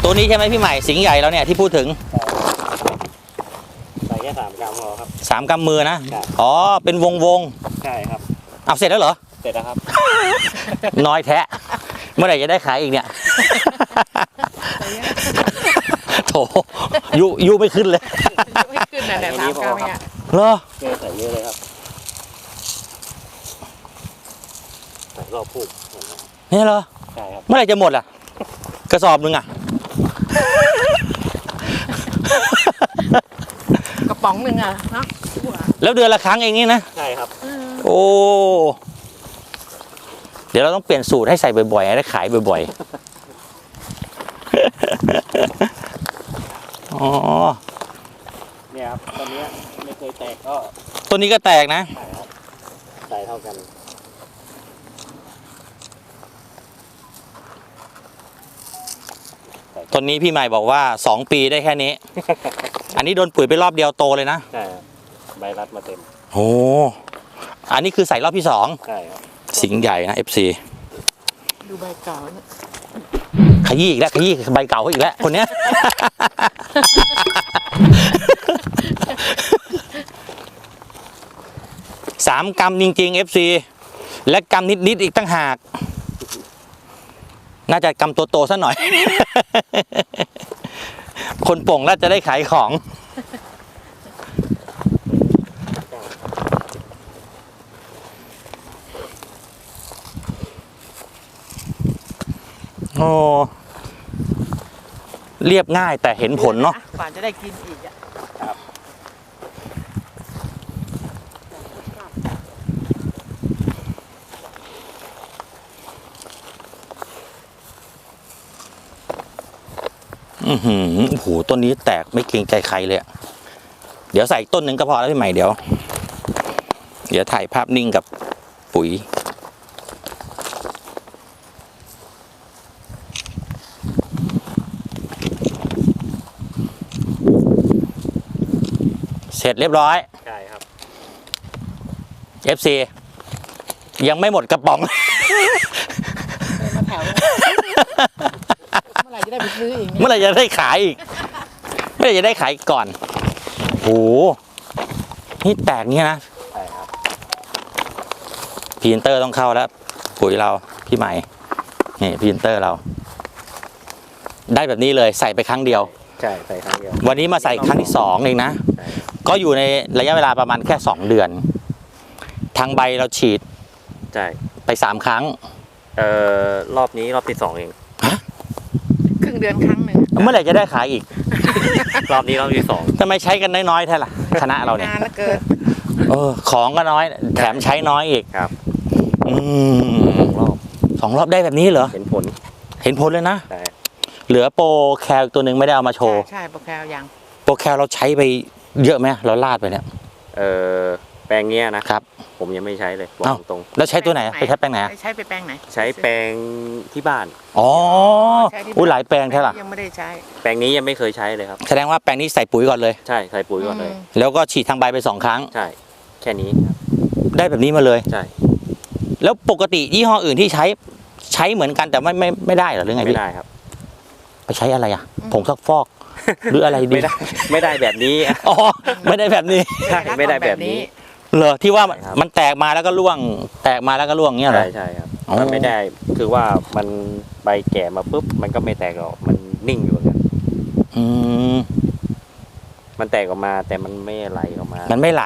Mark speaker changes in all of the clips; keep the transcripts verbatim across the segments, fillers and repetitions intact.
Speaker 1: ตัวนี้ใช่ไหมพี่ใหม่สิงห์ใหญ่แล้วเนี่ยที่พูดถึง
Speaker 2: ใส่แค่สามกรัมพอครับ
Speaker 1: สามกำมือนะอ๋อเป็นวงวง
Speaker 2: ใช่ครับ
Speaker 1: เอาเสร็จแล้วเหรอ
Speaker 2: เสร็จแล้วครับ
Speaker 1: น้อยแท้เมื่อไหร่จะได้ขายอีกเนี่ยโถยูยูไม่ขึ้นเลย
Speaker 3: ไม่ขึ้นนะแต่สามกรัมเนี่ย
Speaker 1: เหรอ
Speaker 2: เกลือใส่เยอะเลยครับใส่รอบผูก
Speaker 1: นี่เหรอ
Speaker 2: ใช่ครับ
Speaker 1: เมื่อไหร่จะหมดอ่ะกระสอบนึงอ่ะ
Speaker 3: กระป๋องหนึ่งอ่ะเนาะ
Speaker 1: แล้วเดือนละครั้งเองนี่นะ
Speaker 2: ใช่ครับ
Speaker 1: โอ้เดี๋ยวเราต้องเปลี่ยนสูตรให้ใส่บ่อยๆให้ได้ขายบ่อยๆอ๋อ
Speaker 2: เนี่ยครับตอนนี้ไม่เคยแตกก็
Speaker 1: ตัวนี้ก็แตกนะ
Speaker 2: ใช่ครับใส่เท่ากัน
Speaker 1: ต้นนี้พี่ใหม่บอกว่าสองปีได้แค่นี้ อันนี้โดนปุ๋ยไปรอบเดียวโตเลยนะ
Speaker 2: ใช่ใบรัดมาเต็ม
Speaker 1: โอ้อันนี้คือใส่รอบที่สอง
Speaker 2: ใช่ครับ
Speaker 1: สิงห์ใหญ่นะ เอฟ ซี
Speaker 3: ดูใบเก่าเนี่ย
Speaker 1: ขยี้อีกแล้วขยี้ใบเก่าเขาอีกแล้วคนเนี้ย สามกรัมจริงๆ เอฟ ซี และกรัมนิดๆอีกตั้งหากน่าจะกำตัวโตซะหน่อย คนโป่งน่าจะได้ขายของโอ้เรียบง่ายแต่เห็นผลเนาะ
Speaker 3: กว่าจะได้กินอีกอ่ะ
Speaker 2: ครับ
Speaker 1: อือหือโอ้โหต้นนี้แตกไม่เกรงใจใครเลยเดี๋ยวใส่ต้นหนึ่งก็พอแล้วพี่ใหม่เดี๋ยวเดี๋ยวถ่ายภาพนิ่งกับปุ๋ยเสร็จเรียบร้อย
Speaker 2: ใช่ครับ
Speaker 1: เอฟ ซี ยังไม่หมดกระป๋อง
Speaker 3: มาแถวเมื่อไหร่จะได้ไปซื้ออีก
Speaker 1: เมื่อไหร่จะได้ขายอีกเมื่อไหร่จะได้ขายก่อนโอ้โหนี่แตกเนี้ยนะ
Speaker 2: ใช่ครับ
Speaker 1: พรีเซนเตอร์ต้องเข้าแล้วปุ๋ยเราพี่ใหม่นี่พรีเซนเตอร์เราได้แบบนี้เลยใส่ไปครั้งเดียว
Speaker 2: ใช่ใส่ครั้งเดียว
Speaker 1: วันนี้มาใส่ครั้งที่สองเองนะก็อยู่ในระยะเวลาประมาณแค่สองเดือนทางใบเราฉีด
Speaker 2: ใช่
Speaker 1: ไปสามครั้ง
Speaker 2: เอ่อรอบนี้รอบที่สองเอง
Speaker 3: ครึ่งเดือนครั้งหนึ่ง
Speaker 1: เมื่อไหร่จะได้ขายอีก
Speaker 2: รอบนี้รอบที่สอง
Speaker 1: ทำไมใช้กันน้อยๆแท้ล่ะคณะเราเนี่ย
Speaker 3: นานแล้วเกิน
Speaker 1: เออของก็น้อยแถมใช้น้อยอีก
Speaker 2: ครับ
Speaker 1: อืม
Speaker 2: รอบ
Speaker 1: สองรอบได้แบบนี้เหรอ
Speaker 2: เห็นผล
Speaker 1: เห็นผลเลยนะ
Speaker 2: ใช่
Speaker 1: เหลือโปรแคลตัวหนึ่งไม่ได้เอามาโชว์
Speaker 3: ใช่โปรแคลยัง
Speaker 1: โปรแคลเราใช้ไปเยอะไหมเราลาดไปเนี่ย
Speaker 2: เออแปลงเนี้ยนะครับผมยังไม่ใช้เลยบอกตรง
Speaker 1: แล้วใช้ตัวไหนไปใช้แปลงไหน
Speaker 3: ใช้ไปแปลงไหน
Speaker 2: ใช้แปลงที่บ้าน
Speaker 1: อ๋ออุ้ยหลายแปลงใช่หรอ
Speaker 3: ยังไม่ได้ใช้
Speaker 2: แปลงนี้ยังไม่เคยใช้เลยครับ
Speaker 1: แสดงว่าแปลงนี้ใส่ปุ๋ยก่อนเลย
Speaker 2: ใช่ใส่ปุ๋ยก่อนเลย
Speaker 1: แล้วก็ฉีดทางใบไปสองครั้ง
Speaker 2: ใช่แค่นี้
Speaker 1: ได้แบบนี้มาเลย
Speaker 2: ใช่
Speaker 1: แล้วปกติยี่ห้ออื่นที่ใช้ใช้เหมือนกันแต่ไม่ไม่ไม่ได้หรอหรือไงพี่
Speaker 2: ไม่ได้ครับ
Speaker 1: ไปใช้อะไรอ่ะผงซักฟอกหรืออะไรดี
Speaker 2: ไม่ได้ไม่ได้แบบนี้
Speaker 1: อ๋อไม่ได้แบบนี้
Speaker 2: ใช่ไม่ได้แบบนี้
Speaker 1: เหรอที่ว่ามันแตกมาแล้วก็ร่วงแตกมาแล้วก็ร่วงเงี้ยเหรอ
Speaker 2: ใช่ใช่ครับมันไม่ได้คือว่ามันใบแก่มาปุ๊บมันก็ไม่แตกหรอกมันนิ่งอยู่เนี่ย
Speaker 1: อืม
Speaker 2: มันแตกออกมาแต่มันไม่ไหลออกมา
Speaker 1: มันไม่ไหล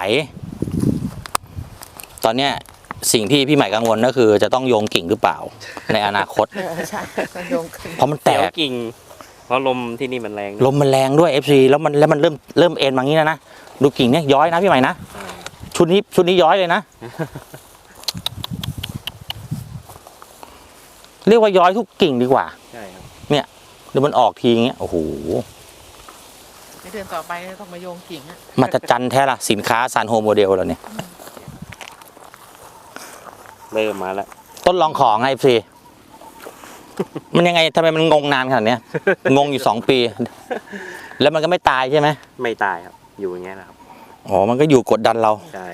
Speaker 1: ตอนเนี้ยสิ่งที่พี่ใหม่กังวลก็คือจะต้องโยงกิ่งหรือเปล่าในอนาคต
Speaker 3: ใช่ต้องโยงกิ่ง
Speaker 1: เพราะมันแตก
Speaker 2: กิ่งเพราะลมที่นี่มันแรง
Speaker 1: ลมมันแรงด้วย เอฟ ซี แล้วมันแล้วมันเริ่มเริ่มเอ็นมางี้นะนะดูกิ่งเนี่ยย้อยนะพี่ใหม่นะชุดนี้ชุดนี้ย้อยเลยนะเรียกว่าย้อยทุกกิ่งดีกว่า
Speaker 2: ใช่ครับ
Speaker 1: เนี่ยเดี๋ยวมันออกทีอย่างเงี้ยโอ้โห
Speaker 3: ในเดือนต่อไปต้องมาโยงกิ่งอะ
Speaker 1: มาจัดจันแท้ละสินค้าซานโฮโมเดลเราเนี่ย
Speaker 2: เริ่มมาแล้ว
Speaker 1: ต้นลองของไงพี่มันยังไงทำไมมันงงนานขนาดนี้งงอยู่สองปีแล้วมันก็ไม่ตายใช่ไหม
Speaker 2: ไม่ตายครับอยู่อย่างเงี้ยนะครับ
Speaker 1: อ๋อมันก็อยู่กดดันเรา
Speaker 2: ใช่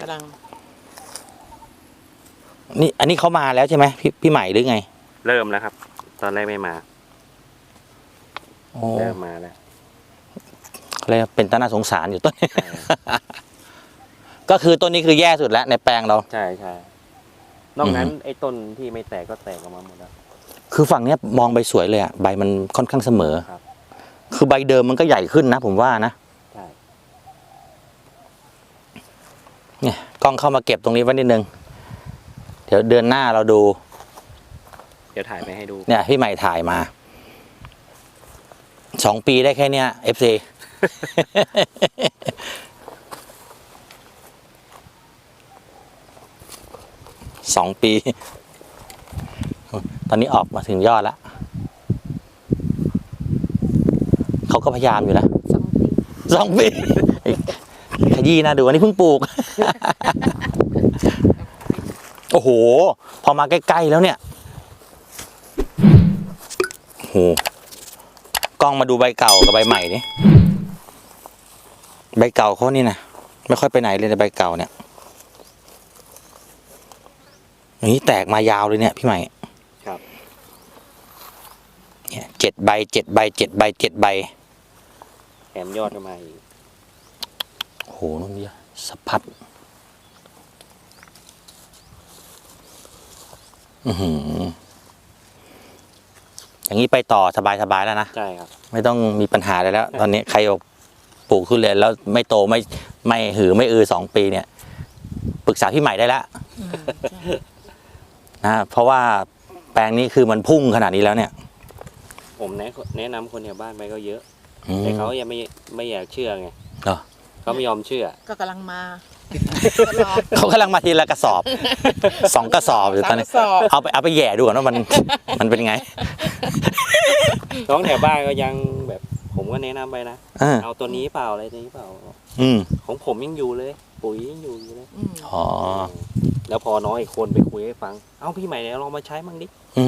Speaker 1: นี่อันนี้เขามาแล้วใช่ไหมพี่พี่ใหม่หรือไง
Speaker 2: เริ่มแล้วครับตอนแรกไม่มา
Speaker 1: โอ้
Speaker 2: เริ่มมาแล้ว
Speaker 1: เลยกเป็นต้นน่าสงสารอยู่ต้นนี้
Speaker 2: ใช่
Speaker 1: ก็คือต้นนี้คือแย่สุดแล้วในแปลงเรา
Speaker 2: ใช่ใช่นอกนั้น
Speaker 1: อือฮึ
Speaker 2: ไอ้ต้นที่ไม่แตกก็แตกออกมาหมดแล้ว
Speaker 1: คือฝั่งเนี้ยมองใบสวยเลยอะใบมันค่อนข้างเสมอ
Speaker 2: ครับ
Speaker 1: คือใบเดิมมันก็ใหญ่ขึ้นนะผมว่านะ
Speaker 2: ใช่
Speaker 1: เนี่ยกล้องเข้ามาเก็บตรงนี้ไว้นิดนึง เดี๋ยวเดือนหน้าเราดู
Speaker 2: เดี๋ยวถ่ายไปให้ดู
Speaker 1: เนี่ยพี่ใหม่ถ่ายมา สองปีได้แค่เนี้ยเอฟซี สองปี ตอนนี้ออกมาถึงยอดแล้ว เขาก็พยายามอยู่นะ
Speaker 3: สองปี
Speaker 1: สองปี ขยี้นะดูอันนี้เพิ่งปลูก โอ้โห พอมาใกล้ๆแล้วเนี่ยโอ้โหกล้องมาดูใบเก่ากับใบใหม่นี่ใบเก่าเขานี่นะไม่ค่อยไปไหนเลยในใบเก่าเนี่ยอย่างนี้แตกมายาวเลยเนี่ยพี่ใหม่
Speaker 2: ครับ
Speaker 1: เนี่ยเจ็ดใบเจ็ดใบเจ็ดใบเจ็ดใบ
Speaker 2: แถมยอดก็มาอีก
Speaker 1: โอ้โหนู่นนี่สะพัดอือหืออย่างนี้ไปต่อสบายๆแล้วนะ
Speaker 2: ใช่ครับ
Speaker 1: ไม่ต้องมีปัญหาอะไรแล้ว ตอนนี้ใครบอกปลูกทุเรียนแล้วไม่โตไม่ไม่หือไม่อือสองปีเนี่ย ปรึกษาพี่ใหม่ได้แล้ว
Speaker 3: อืมใช่
Speaker 1: นะเพราะว่าแปลงนี้คือมันพุ่งขนาดนี้แล้วเนี่ย
Speaker 2: ผมแนะแนะนำคนแถวบ้านไปก็เยอะ
Speaker 1: อืม
Speaker 2: แต่เขายังไม่ไม่อยากเชื่อไง
Speaker 1: เหรอ
Speaker 2: เขาไม่ยอมเชื่อ
Speaker 3: ก็กำลังมา
Speaker 1: เขากำลังมาทีละกระสอบ สองกระสอบอยู่ตอนนี้
Speaker 3: สามกระสอบ
Speaker 1: เอาไปเอาไปแหย่ดูก่อนว่ามันมันเป็นไง
Speaker 2: น้องแถวบ้านก็ยังแบบ ผมก็แนะนำไปนะ
Speaker 1: อ่า
Speaker 2: เอาตัวนี้เปล่าอะไรตัวนี้เปล่า
Speaker 1: อืม
Speaker 2: ของผมยังอยู่เลย ปุ๋ยยังอยู่อยู่เลย
Speaker 3: อืม
Speaker 1: อ๋อ
Speaker 2: แล้วพอน้องอีกคนไปคุยให้ฟัง เอ้าพี่ใหม่เนี่ยลองมาใช้มั่งดิ
Speaker 1: อืม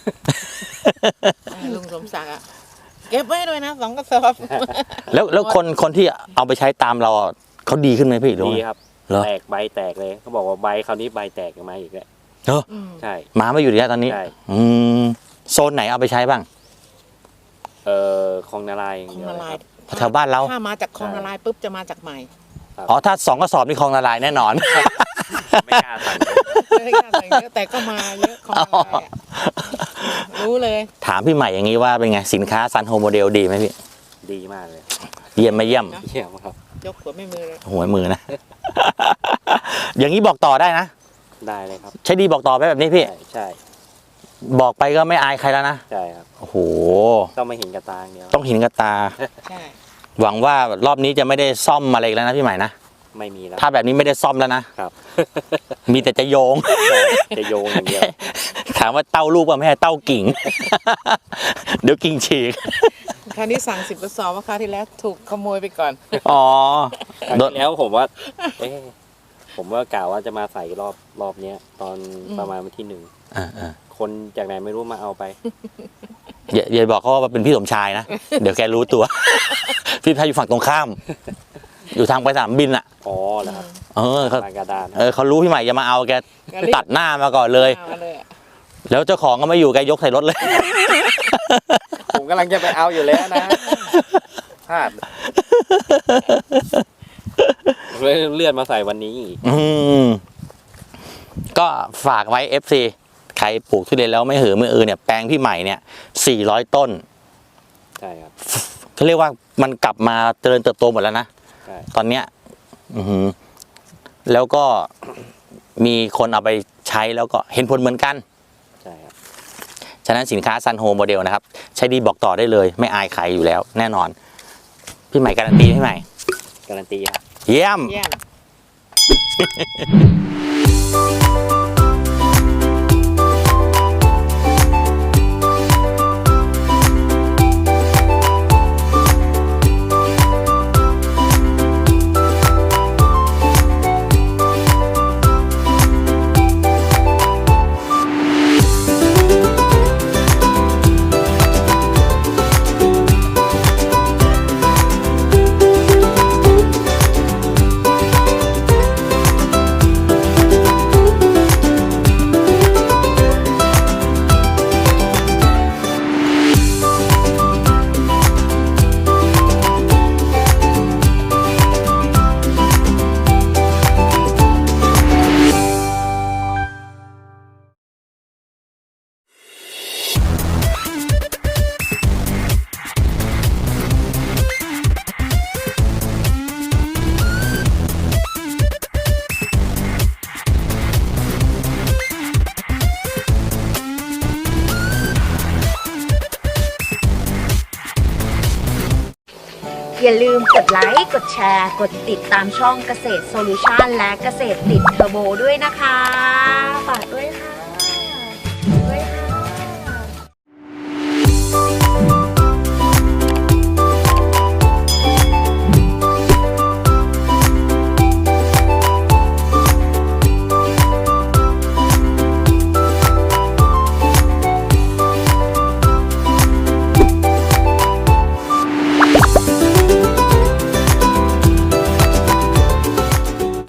Speaker 3: ลุงสมศักดิ์อ่ะเก็บไว้ด้วยนะสองกระสอบ
Speaker 1: แล้วแล้วคนคนที่เอาไปใช้ตามเราอ่ะเขาดีขึ้นไหมพี่หรือ
Speaker 2: ดี
Speaker 1: ว่า
Speaker 2: ครับ
Speaker 1: เหรอ
Speaker 2: แตกใบแตกเลยเขาบอกว่าใบคราวนี้ใบแตกออกมาอีกแล้ว
Speaker 1: เออ
Speaker 3: อืม
Speaker 2: ใช่
Speaker 1: หมามาอยู่ที่นี่ตอนนี้
Speaker 2: ใช่
Speaker 1: อืมโซนไหนเอาไปใช้บ้าง
Speaker 2: เออคลองนาลายอย่าง
Speaker 3: คลอง
Speaker 2: เดียว
Speaker 3: นา
Speaker 2: เลย
Speaker 3: ลาย
Speaker 2: ครับ
Speaker 1: แถวบ้านเรา
Speaker 3: ถ้ามาจากคลองนาลายปุ๊บจะมาจากใหม่
Speaker 1: อ๋อถ้าสองกระสอบนี่คลองละลายแน่นอน
Speaker 2: ไม่กล้าสั่งเลย
Speaker 3: ไม่กล้าใส่เยอะแต่ก็มาเยอะคลองนาลายอะรู้เลย
Speaker 1: ถามพี่ใหม่อย่างนี้ว่าเป็นไงสินค้าซันโฮโมเดลดีไหมพี่
Speaker 2: ดีมากเลย
Speaker 1: เยี่ยมไม่เยี่ยม
Speaker 2: เยี่ยมครับ
Speaker 3: ยกหัวไม่มือเลย
Speaker 1: หัวมือนะ อย่างนี้บอกต่อได้นะ
Speaker 2: ได้เลยครับ
Speaker 1: ใช้ดีบอกต่อไปแบบนี้พี่
Speaker 2: ใช่ใช่
Speaker 1: บอกไปก็ไม่อายใครแล้วนะ
Speaker 2: ใช่ครับ
Speaker 1: โอ้โห
Speaker 2: ต้องไม่เห็นกระตาอย่างเดียว
Speaker 1: ต้องเห็นกับตา
Speaker 3: ใช่
Speaker 1: หวังว่ารอบนี้จะไม่ได้ซ่อมอะไรอีกแล้วนะพี่ใหม่นะ
Speaker 2: ไม่มีแล้ว
Speaker 1: ถ้าแบบนี้ไม่ได้ซ่อมแล้วนะ
Speaker 2: ครับ
Speaker 1: มีแต่จะโยง
Speaker 2: จะโยงอย่างเดียว
Speaker 1: ถามว่าเต้าลูกป่ะไม่ใช่เต้ากิ่ง เดี๋ยวกิ่งฉีก
Speaker 3: คราวนี้สั่งสิบกระสอบว่าคราวที่แล้วถูกขโมยไปก่อน
Speaker 1: อ๋อ
Speaker 2: ครั้ง
Speaker 1: โดน
Speaker 2: ที่แล้วผมว่า เอ๊ะผมว่ากล่าวว่าจะมาใส่รอบรอบเนี้ย ตอนประมาณวันที่หนึ่ง
Speaker 1: อ่าอ่า
Speaker 2: คนจากไหนไม่รู้มาเอาไป
Speaker 1: อย่าอย่าบอกเขาว่าเป็นพี่สมชายนะ เดี๋ยวแกรู้ตัว พี่ชายอยู่ฝั่งตรงข้าม อยู่ทางไปสนามบินอ่ะ
Speaker 2: อ๋อเหรอครับ
Speaker 1: เออเขา
Speaker 2: ลานกระดาน
Speaker 1: เออเขารู้พี่ใหม่จะมาเอาแก
Speaker 3: ก็รีบ
Speaker 1: ตัดหน้ามาก่อนเลย
Speaker 3: เอาเลยอะ
Speaker 1: แล้วเจ้าของก็ไม่อยู่แกยกใส่รถเลย
Speaker 2: ผมกำลังจะไปเอาอยู่แล้วนะพลาดเลยเลื่อนมาใส่วันนี้อีก
Speaker 1: อืมก็ฝากไว้ เอฟ ซี ใครปลูกทุเรียนแล้วไม่หือไม่อือเนี่ยแปลงพี่ใหม่เนี่ยสี่ร้อยต้น
Speaker 2: ใช่ครับ
Speaker 1: เขาเรียกว่ามันกลับมาเจริญเติบโตหมดแล้วนะ
Speaker 2: ใช่
Speaker 1: ตอนเนี้ย อือหือแล้วก็มีคนเอาไปใช้แล้วก็เห็นผลเหมือนกัน
Speaker 2: ใช่ครับ
Speaker 1: ฉะนั้นสินค้าซันโฮโมเดลนะครับ ใช้ดีบอกต่อได้เลย ไม่อายใครอยู่แล้ว แน่นอน พี่ใหม่การันตีพี่ใหม่
Speaker 2: การันตีครับ
Speaker 1: เยี่ยม
Speaker 3: เยี่ยม
Speaker 4: อย่าลืมกดไลค์ กดแชร์ กดติดตามช่องเกษตรโซลูชันและเกษตรติดเทอร์โบด้วยนะคะ ฝากด้วยค่ะ